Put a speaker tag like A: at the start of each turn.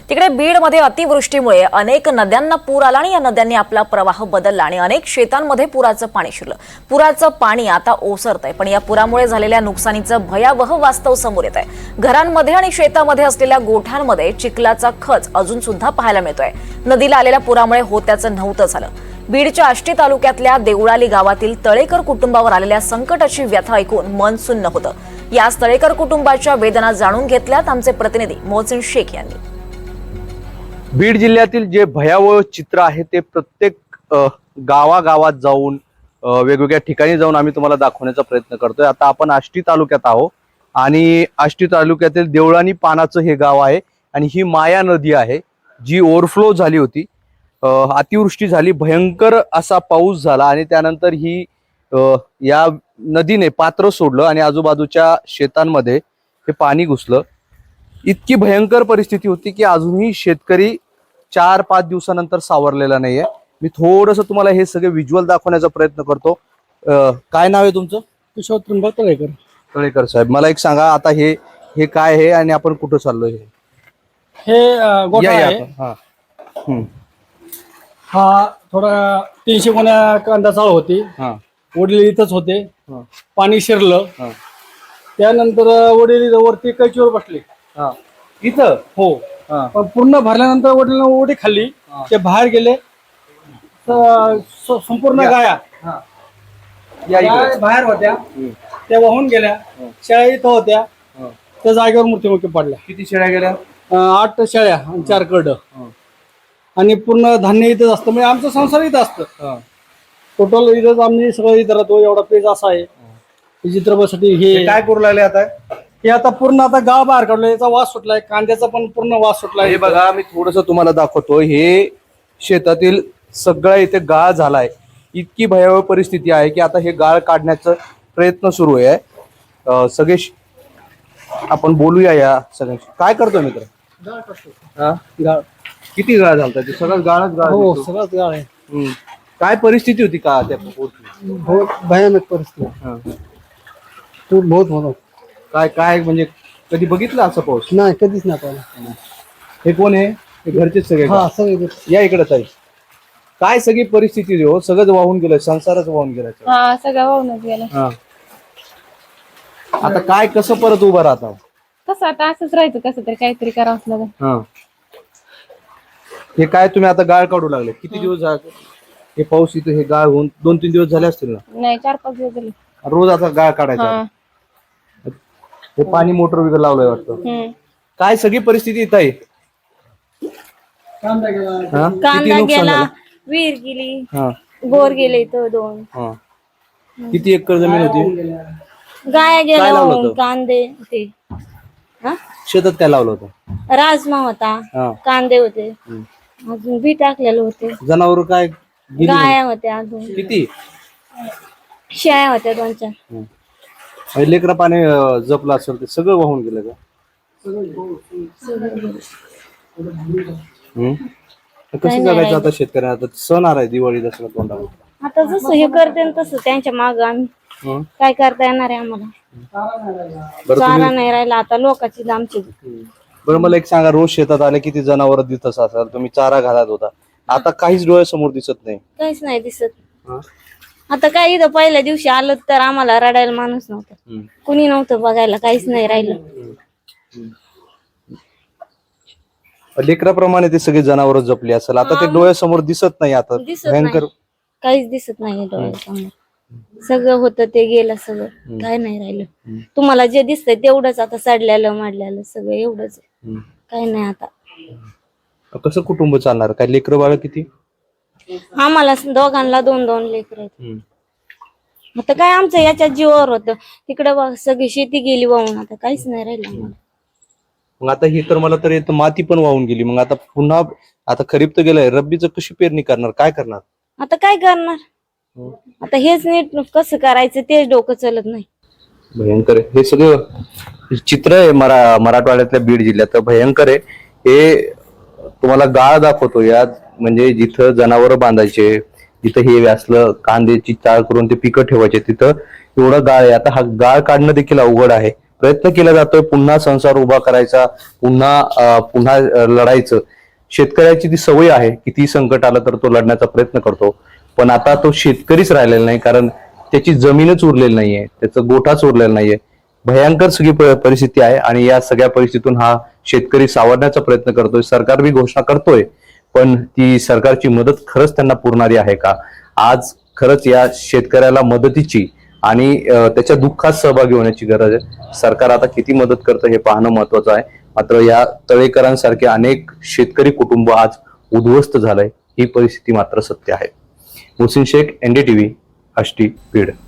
A: तिकडे बीडमध्ये अतिवृष्टीमुळे अनेक नद्यांना पूर आला आणि या नद्यांनी आपला प्रवाह बदलला आणि अनेक शेतांमध्ये पुराचं पाणी शिरलं। पुराचं पाणी आता ओसरतंय, पण या पुरामुळे झालेल्या नुकसानीचं भयावह वास्तव समोर येत आहे। घरांमध्ये आणि शेतामध्ये असलेल्या गोठ्यांमध्ये चिखलाचा खच अजून सुद्धा पाहायला मिळतोय। नदीला आलेल्या पुरामुळे होत्याचं नव्हतं झालं। बीडच्या आष्टी तालुक्यातल्या देवळाली गावातील तळेकर कुटुंबावर आलेल्या संकटाची व्यथा ऐकून मन सुन्न होतं। या तळेकर कुटुंबाच्या वेदना जाणून घेतल्यात आमचे प्रतिनिधी मोहसिन शेख यांनी।
B: बीड जिल्ह्यातील जे भयावह चित्र आहे ते प्रत्येक गावागावात जाऊन वेगवेगळ्या ठिकाणी जाऊन आम्ही तुम्हाला दाखवण्याचा प्रयत्न करतोय। आता आपण आष्टी तालुक्यात आहोत आणि आष्टी तालुक्यातील देवळानी पानाचं हे गाव आहे आणि ही माया नदी आहे जी ओव्हरफ्लो झाली होती। अतिवृष्टी झाली, भयंकर असा पाऊस झाला आणि त्यानंतर ही या नदीने पात्र सोडलं आणि आजूबाजूच्या शेतांमध्ये हे पाणी घुसलं। इतकी भयंकर परिस्थिती होती की अजूनही शेतकरी 4-5 दिवसानंतर सावरलेला नाहीये। मी थोडंसं तुम्हाला हे सगळे व्हिज्युअल दाखवण्याचा प्रयत्न करतो। काय नाव आहे तुमचं?
C: किशोर त्र्यंबक तळेकर।
B: तळेकर साहेब, मला एक सांगा, आता हे काय आहे आणि आपण कुठं चाललोय?
C: हे गोठा आहे। हा थोडा 300 गुण्या कांदा चाळ होती। वडील इथंच होते, पाणी शिरलं। त्यानंतर वडील वरती कैचीवर बसले
B: इथं।
C: हो, पण पूर्ण भरल्यानंतर वडील उडी खाल्ली, ते बाहेर गेले। संपूर्ण गाया बाहेर होत्या, त्या वाहून गेल्या। शेळ्या इथं होत्या, त्या जागेवर मृत्युमुखी पडल्या।
B: किती शेळ्या गेल्या?
C: 8 शेळ्या आणि 4 करड आणि पूर्ण धान्य इथंच असतं, म्हणजे आमचं संसार इथं असतं। टोटल इथंच आम्ही सगळं इथं राहतो। एवढा पेज असा आहे चित्रपटासाठी। हे
B: काय करू लागले आता?
C: हे आता पूर्ण आता गाव बाहेर काढलं, याचा वास सुटलाय, कांद्याचा पण पूर्ण वास सुटलाय।
B: हे बघा, मी थोडस तुम्हाला दाखवतो। हे शेतातील सगळं इथे गाळ झालाय। इतकी भयावह परिस्थिती आहे की आता हे गाळ काढण्याचा प्रयत्न सुरू आहे। सगळे आपण बोलूया या सगळ्यांशी। काय करतोय मित्र?
C: गाळ करतो।
B: गाळ किती गाळ झालता? ते सगळं गाळच गाळ?
C: हो, सगळंच गाळ आहे।
B: काय परिस्थिती होती का त्या पोटची?
C: बहुत भयानक परिस्थिती, तू बहुत होतो।
B: काय काय म्हणजे कधी बघितलं असं पाऊस?
C: नाही, कधीच नाही पाहिलं।
B: हे कोण आहे? हे घरचेच सगळे का?
C: हा, सगळे
B: या इकडेच आहे। काय सगळी परिस्थिती हो? सगळंच वाहून गेलं, संसारच वाहून गेला।
D: हा, सगळं वाहूनच गेलं।
B: आता काय कसं परत उभं राहता?
D: कसं आता असंच राहायचं, कसं तरी काहीतरी करावंच लागेल।
B: हे काय तुम्ही आता गाळ काढू लागले? किती दिवस झाले हे पाऊस इथे? हे गाळ होऊन 2-3 दिवस झाले असतील ना?
D: नाही, 4-5 दिवस झाले।
B: रोज आता गाळ काढायचा? हे पाणी मोटर वगैरे लावलंय वाटतं। काय सगळी परिस्थिती इथं आहे?
C: कांदा गेला,
B: किती
D: कांदा
B: नुकसान
D: गेला,
B: झालं?
D: विहीर गेली, बोर गेले इथं 2।
B: किती एकर जमीन होती?
D: गाया
B: काय लावलं
D: गेल्या,
B: होतं?
D: कांदे होते,
B: शेतात काय लावलं होतं?
D: राजमा होता, कांदे होते, अजून बी टाकलेलं होते।
B: जनावर काय गेली?
D: गाया होत्या, अजून
B: किती?
D: शेळ्या होत्या 2-4।
B: लेकरा पाणी जपलं असेल ते सगळं वाहून गेलं का? कसं जगायचं आता शेतकऱ्यांना? आता सण आलाय, दिवाळी, दसरा तोंडावर।
D: आता जसं हे करते तसं त्यांच्या माग आम्ही काय करता येणार आहे? आम्हाला चारा नाही राहिला आता लोकांची आमची।
B: बरं, मला एक सांगा, रोज शेतात आले किती जनावर दिसत असाल, तुम्ही चारा घालत होता, आता काहीच डोळ्यासमोर दिसत नाही?
D: काहीच नाही दिसत। आता काय इथं पहिल्या दिवशी आलं तर आम्हाला रडायला माणूस नव्हता, कुणी नव्हतं बघायला, काहीच नाही राहिलं।
B: लेकराप्रमाणे ते सगळे जनावर जपली असेल, आता ते डोळ्यासमोर दिसत नाही। आता भयंकर
D: काहीच दिसत नाही डोळ्यासमोर, सगळं होतं ते गेलं सगळं, काय नाही राहिलं। तुम्हाला जे दिसतंय तेवढंच आता, सडल्यालं माडल्यालं सगळं एवढंच, काही नाही आता।
B: कसं कुटुंब चालणार? काय लेकरं बाळ किती?
D: आम्हाला दोघांना 2-2 लेकर आहेत। आता काय आमचं याच्या जीवावर होतं, तिकडं सगळी शेती गेली वाहून, आता काहीच नाही राहिलं आम्हाला।
B: मग आता ही तर मला तर येतं माती पण वाहून गेली, मग आता पुन्हा आता खरीप तर गेलाय, रब्बीचं कशी पेरणी करणार? काय करणार
D: आता? काय करणार आता? हेच नीट कसं करायचं तेच डोकं चलत नाही।
B: भयंकर आहे हे सगळं चित्र आहे मराठवाड्यातल्या बीड जिल्ह्यात, भयंकर आहे हे। तुम्हाला गाळ दाखवतो यात, म्हणजे जिथं जनावर बांधायचे, जिथं हे व्यासलं कांद्याची चाळ करून ते पिकं ठेवायचे, तिथं एवढं गाळ आहे। आता हा गाळ काढणं देखील अवघड आहे। प्रयत्न केला जातोय पुन्हा संसार उभा करायचा, पुन्हा लढायचं. शेतकऱ्याची ती सवय आहे, किती संकट आलं तर तो लढण्याचा प्रयत्न करतो. पण आता तो शेतकरीच राहिलेला नाही, कारण त्याची जमीनच उरलेली नाहीये, त्याचं गोठाच उरलेला नाहीये. भयंकर सगळी परिस्थिती आहे आणि या सगळ्या परिस्थितीतून हा शेतकरी सावरण्याचा प्रयत्न करतोय. सरकार बी घोषणा करतोय, पण ती सरकारची मदत खरंच त्यांना पुरणारी आहे का? आज खरंच या शेतकऱ्याला मदतीची आणि त्याच्या दुःखात सहभागी होण्याची गरज आहे. सरकार आता किती मदत करतं हे पाहणं महत्वाचं आहे. मात्र या तळेकरांसारखे अनेक शेतकरी कुटुंब आज उद्ध्वस्त झालंय, ही परिस्थिती मात्र सत्य आहे. मुहसिन शेख, NDTV, आष्टी, बीड.